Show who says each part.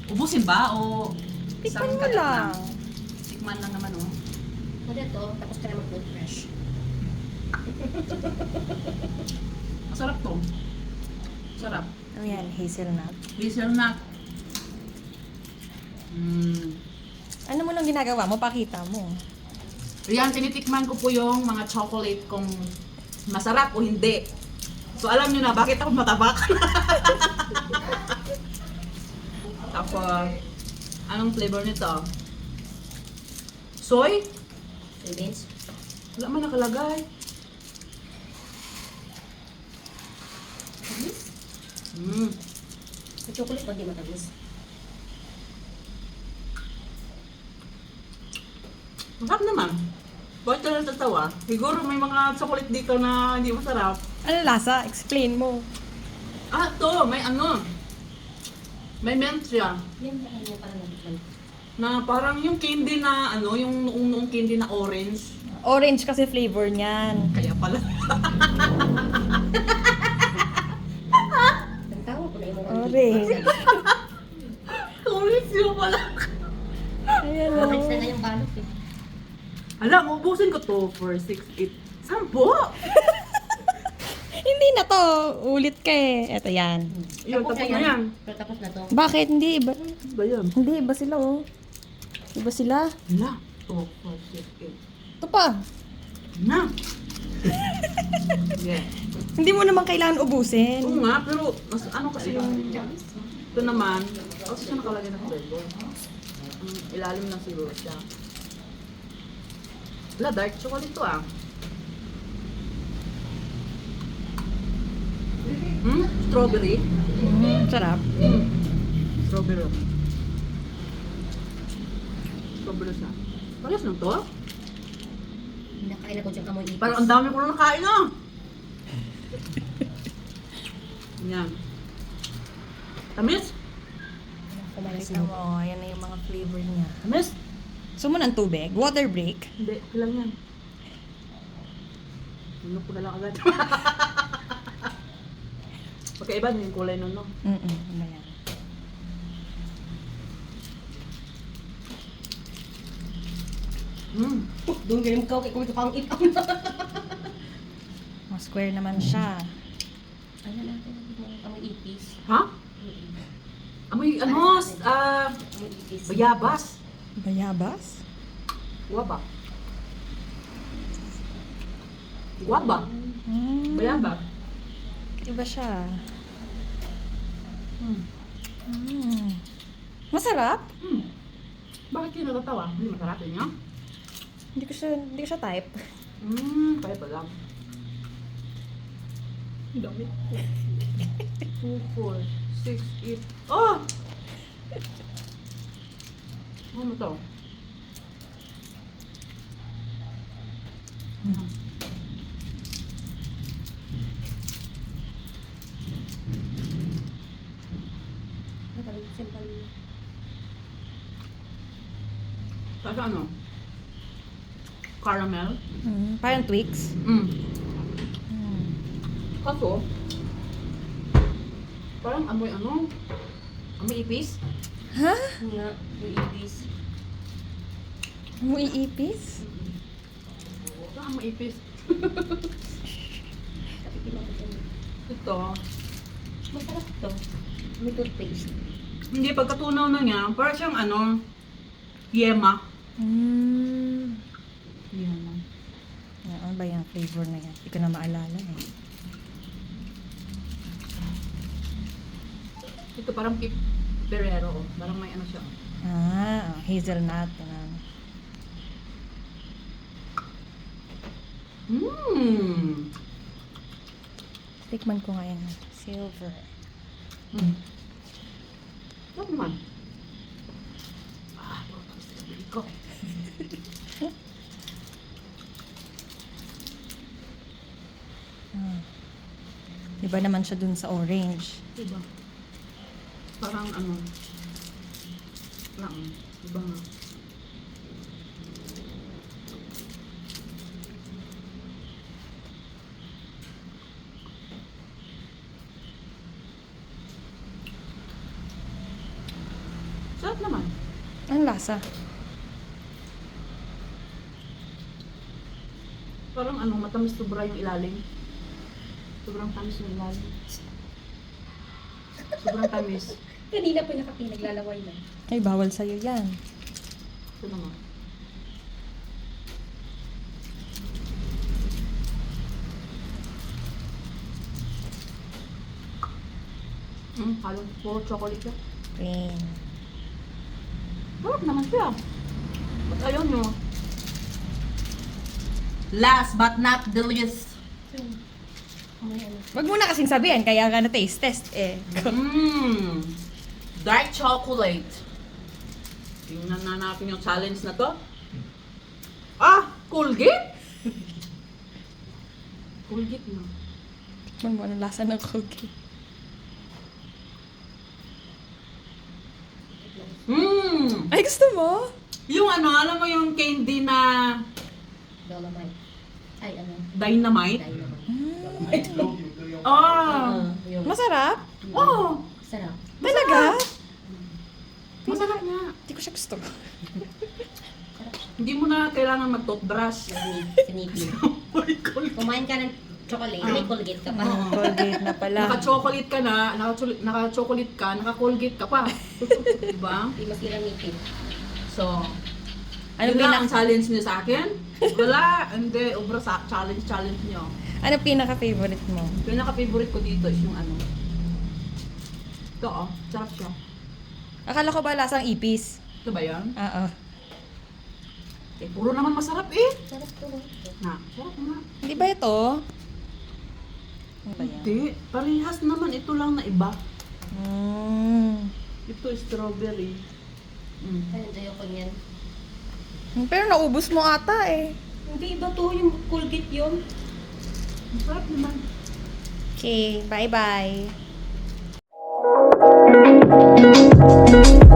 Speaker 1: Ubusin ba o
Speaker 2: Tikman mo
Speaker 1: kagat
Speaker 2: lang.
Speaker 1: Tikman lang naman oh.
Speaker 3: O dito, tapos ka na mag-toothbrush.
Speaker 1: Masarap to. Sarap.
Speaker 2: Ano yan? Hazelnut.
Speaker 1: Hazelnut.
Speaker 2: Ano mo lang ginagawa mo? Pakita mo.
Speaker 1: Ayan, tinitikman ko po yung mga chocolate kung masarap o hindi. So alam nyo na bakit ako matabak. Tapos, anong flavor nito? Soy?
Speaker 3: Soybeans.
Speaker 1: Wala man nakalagay. Mm.
Speaker 3: Sa chocolate pag di matamis.
Speaker 1: Masarap naman. Bakit ka natatawa? Siguro may mga chocolate dito na hindi masarap.
Speaker 2: Ano lasa? Explain mo.
Speaker 1: Ah, to, may ano. May mint siya.
Speaker 3: Yan ba ano parang natikman?
Speaker 1: Na parang yung candy na ano, yung noong candy na orange.
Speaker 2: Orange kasi flavor niyan.
Speaker 1: Kaya pala.
Speaker 3: Ang tawag ko na yung mga
Speaker 2: Orange.
Speaker 1: Orange yun pala.
Speaker 2: Ayan o.
Speaker 3: Orange na nga yung balot eh.
Speaker 1: Alam, ubusin ko to for 6, 8, 10.
Speaker 2: Hindi na to. Ulit ka eh. Eto yan.
Speaker 1: Yun, tapos na yan.
Speaker 3: Pero tapos na to.
Speaker 2: Bakit? Hindi iba.
Speaker 1: Ano ba yan?
Speaker 2: Hindi iba sila oh. Iba sila.
Speaker 1: Na. 2, 4, 6, 8.
Speaker 2: Ito pa.
Speaker 1: Na. Yeah.
Speaker 2: Hindi mo naman kailangan ubusin.
Speaker 1: Oo nga, pero mas ano kasi yung ito naman, kasi siya nakalagay ng flavor. Ilalim lang siguro siya. Wala, dark chocolate to ah. Strawberry.
Speaker 2: Sarap.
Speaker 1: Strawberry. Strawberry siya. Pares lang to?
Speaker 3: Nakain ako dyan kamoy ipis.
Speaker 1: Parang ang dami ko na nakain ah. Yan. Tamis?
Speaker 3: Kumalas
Speaker 2: Tignan
Speaker 3: na.
Speaker 2: mo, ayan na yung mga flavor niya.
Speaker 1: Tamis?
Speaker 2: Gusto mo ng tubig? Water break?
Speaker 1: Hindi, kailang yan. Ano ko na lang agad. Pagkaiba din yung kulay nun, no?
Speaker 2: Ano yan?
Speaker 3: Doon ganyan ka, kaya kumita pang ipang.
Speaker 2: Mga square naman siya.
Speaker 3: Ano natin, kamoy ipis.
Speaker 1: Ha? Amoy, ano,
Speaker 3: Kamoy ipis.
Speaker 1: bayabas.
Speaker 2: Bayabas?
Speaker 1: Guaba. Guaba. Bayabas.
Speaker 2: Iba siya.
Speaker 1: Hmm.
Speaker 2: Masarap?
Speaker 1: Bakit kayo natatawa? Hindi masarap yun yun?
Speaker 2: Hindi ko siya type.
Speaker 1: Kaya pa lang. Ang dami. 2, 4, 6, 8. Oh! Ano to? Kasi ano? Caramel?
Speaker 2: Parang Twix.
Speaker 1: Kaso, parang amoy ano? Amoy ipis?
Speaker 2: Ha?
Speaker 3: Nga, yung ipis.
Speaker 2: Amoy ipis?
Speaker 1: Parang amoy ipis.
Speaker 3: Kapitin ako dyan.
Speaker 1: Ito,
Speaker 3: Masarap to. May toothpaste.
Speaker 1: hindi pagkatunaw na niya, parang siyang ano, yema. Yema.
Speaker 2: Ano ba yung flavor na yan? Hindi ko na maalala eh.
Speaker 1: Ito parang Ferrero. Oh. Parang may ano siya.
Speaker 2: Hazelnut. Ganun. Tikman ko nga yan. Silver.
Speaker 1: Ano naman? Ah, sabi ko.
Speaker 2: Iba naman siya dun sa orange.
Speaker 1: Diba? Parang ano, lang, iba nga. Sarap naman.
Speaker 2: Ang lasa.
Speaker 1: Parang matamis sobra yung ilalim. Sobrang tamis yung ilalim. Sobrang tamis.
Speaker 3: Kanina pa naglalaway na.
Speaker 2: Ay, bawal sa'yo yan.
Speaker 1: Ito naman. Halos puro chocolate siya.
Speaker 2: Plain.
Speaker 1: Sarap naman siya. Ba't ayaw nyo? Last but not the least.
Speaker 3: May ano.
Speaker 2: Wag mo na kasing sabihin, kaya ka na taste test eh.
Speaker 1: Dark chocolate. Tingnan na natin yung challenge na to. Colgate? Colgate na.
Speaker 2: Tikman mo, anong lasa ng Colgate. Ay, gusto mo?
Speaker 1: Yung alam mo yung candy na
Speaker 3: Dolomite. Ay, ano?
Speaker 1: dynamite?
Speaker 3: Dynamite.
Speaker 1: Yung...
Speaker 2: Masarap?
Speaker 1: Oh!
Speaker 3: Sarap.
Speaker 2: Talaga?
Speaker 1: Masarap nga.
Speaker 2: Hindi ko siya gusto.
Speaker 1: Hindi mo na kailangan mag-toothbrush.
Speaker 3: Sinipin.
Speaker 1: Ay, Colgate.
Speaker 3: Kumain ka ng chocolate, may Colgate ka pa.
Speaker 2: Colgate na pala.
Speaker 1: Naka-chocolate ka na, naka-chocolate ka, naka-Colgate ka pa. Diba?
Speaker 3: Hindi mas gilamitin.
Speaker 1: So,
Speaker 2: Ano
Speaker 1: yun lang ang challenge niyo sa akin? Wala, hindi. Obra sa challenge niyo.
Speaker 2: Ano pinaka-favorite mo?
Speaker 1: Pinaka-favorite ko dito is yung ito sarap siya.
Speaker 2: Akala ko ba lasang ipis?
Speaker 1: Ito ba yan?
Speaker 2: Oo.
Speaker 1: Puro naman masarap eh.
Speaker 3: Sarap to.
Speaker 1: Sarap nga.
Speaker 2: Hindi ba ito? Ano ba yan?
Speaker 1: Hindi. Parehas naman. Ito lang na iba. Ito strawberry.
Speaker 3: Ay, enjoy ko niyan.
Speaker 2: Pero naubos mo ata eh.
Speaker 3: Hindi, iba to yung Colgate yun.
Speaker 1: Masarap naman.
Speaker 2: Okay, bye-bye.